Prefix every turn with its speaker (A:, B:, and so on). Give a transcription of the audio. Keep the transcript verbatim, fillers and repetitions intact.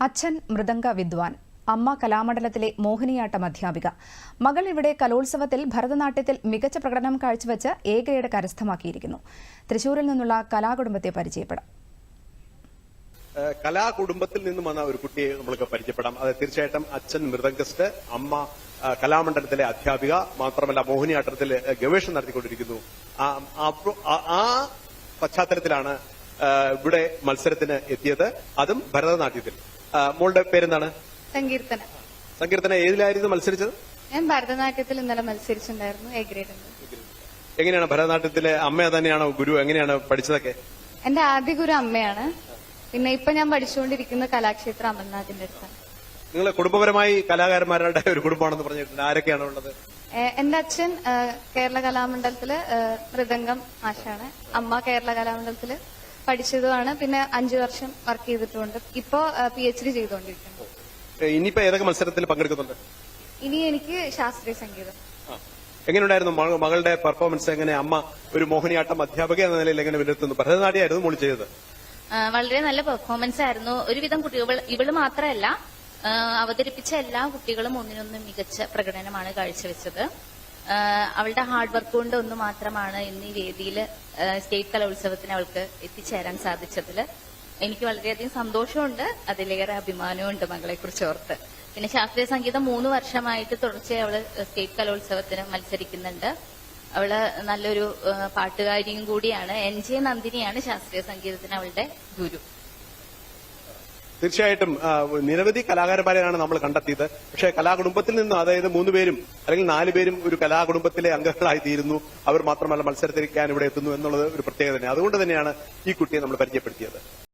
A: അച്ഛൻ മൃദംഗ വിദ്വാൻ, അമ്മ കലാമണ്ഡലത്തിലെ മോഹിനിയാട്ടം അധ്യാപിക. മകൾ ഇവിടെ കലോത്സവത്തിൽ ഭരതനാട്യത്തിൽ മികച്ച പ്രകടനം കാഴ്ചവെച്ച് എ ഗ്രേഡ് കരസ്ഥമാക്കിയിരിക്കുന്നു. തൃശൂരിൽ നിന്നുള്ള കലാകുടുംബത്തെ പരിചയപ്പെടാം.
B: കലാകുടുംബത്തിൽ നിന്നും വന്ന ഒരു കുട്ടിയെ നമ്മൾക്ക് പരിചയപ്പെടാം. അത് തീർച്ചയായിട്ടും അച്ഛൻ മൃദംഗസ്റ്റ്, അമ്മ കലാമണ്ഡലത്തിലെ അധ്യാപിക, മാത്രമല്ല മോഹിനിയാട്ടത്തിൽ ഗവേഷണം നടത്തിക്കൊണ്ടിരിക്കുന്നു. ആ പശ്ചാത്തലത്തിലാണ് ഇവിടെ മത്സരത്തിന് എത്തിയത്, അതും ഭരതനാട്യത്തിൽ. മോളുടെ പേരെന്താണ്?
C: സങ്കീർത്തന.
B: സങ്കീർത്തന ഏതിലായിരുന്നു മത്സരിച്ചത്?
C: ഞാൻ ഭരതനാട്യത്തിൽ ഇന്നലെ മത്സരിച്ചിട്ടുണ്ടായിരുന്നു, എ ഗ്രേഡ്.
B: എങ്ങനെയാണ് ഭരതനാട്യത്തിലെ അമ്മ തന്നെയാണോ ഗുരു? എങ്ങനെയാണ് പഠിച്ചതൊക്കെ?
C: എന്റെ ആദ്യ ഗുരു അമ്മയാണ്. പിന്നെ ഇപ്പൊ ഞാൻ പഠിച്ചുകൊണ്ടിരിക്കുന്ന കലാക്ഷേത്ര അമൽനാഥിന്റെ അടുത്താണ്.
B: നിങ്ങൾ കുടുംബപരമായി കലാകാരന്മാരുടെ ഒരു കുടുംബമാണെന്ന് പറഞ്ഞിട്ടുണ്ട്. ആരൊക്കെയാണ് ഉള്ളത്?
C: എന്റെ അച്ഛൻ കേരള കലാമണ്ഡലത്തില് മൃദംഗം ആശാണ്. അമ്മ കേരള കലാമണ്ഡലത്തില് പഠിച്ചതുമാണ്. പിന്നെ അഞ്ചു വർഷം വർക്ക് ചെയ്തിട്ടുണ്ട്. ഇപ്പോ പി എച്ച് ഡി ചെയ്തുകൊണ്ടിരിക്കുന്നു.
B: ഇനിയിപ്പോ ഏതൊക്കെ മത്സരത്തിൽ പങ്കെടുക്കുന്നുണ്ട്?
C: ഇനി എനിക്ക് ശാസ്ത്രീയ സംഗീതം.
B: എങ്ങനെയുണ്ടായിരുന്നു മകളുടെ പെർഫോമൻസ്? എങ്ങനെ അമ്മ ഒരു മോഹിനിയാട്ടം അധ്യാപക എന്ന നിലയിൽ എങ്ങനെ വിലയിരുത്തുന്നു? ഭരതനാട്യമായിരുന്നു മോളി ചെയ്തത്.
D: വളരെ നല്ല പെർഫോമൻസ് ആയിരുന്നു. ഒരുവിധം കുട്ടികൾ, ഇവള് മാത്രമല്ല അവതരിപ്പിച്ച എല്ലാ കുട്ടികളും ഒന്നിനൊന്ന് മികച്ച പ്രകടനമാണ് കാഴ്ചവെച്ചത്. അവളുടെ ഹാർഡ് വർക്ക് കൊണ്ട് ഒന്ന് മാത്രമാണ് ഇന്ന് ഈ വേദിയിൽ സ്റ്റേറ്റ് കലോത്സവത്തിന് അവൾക്ക് എത്തിച്ചേരാൻ സാധിച്ചതിൽ എനിക്ക് വളരെയധികം സന്തോഷമുണ്ട്. അതിലേറെ അഭിമാനമുണ്ട് മകളെ കുറിച്ച് ഓർത്ത്. പിന്നെ ശാസ്ത്രീയ സംഗീതം മൂന്ന് വർഷമായിട്ട് തുടർച്ചയായി അവള് സ്റ്റേറ്റ് കലോത്സവത്തിന് മത്സരിക്കുന്നുണ്ട്. അവള് നല്ലൊരു പാട്ടുകാരിയും കൂടിയാണ്. എൻ ജെ നന്ദിനിയാണ് ശാസ്ത്രീയ സംഗീതത്തിന് അവളുടെ ഗുരു.
B: തീർച്ചയായിട്ടും നിരവധി കലാകാരന്മാരെയാണ് നമ്മൾ കണ്ടെത്തിയത്. പക്ഷേ കലാകുടുംബത്തിൽ നിന്ന്, അതായത് മൂന്നുപേരും അല്ലെങ്കിൽ നാലുപേരും ഒരു കലാകുടുംബത്തിലെ അംഗങ്ങളായി തീരുന്നു. അവർ മാത്രമല്ല മത്സരത്തിരിക്കാൻ ഇവിടെ എത്തുന്നു എന്നുള്ളത് ഒരു പ്രത്യേകത തന്നെ. അതുകൊണ്ട് തന്നെയാണ് ഈ കുട്ടിയെ നമ്മൾ പരിചയപ്പെടുത്തിയത്.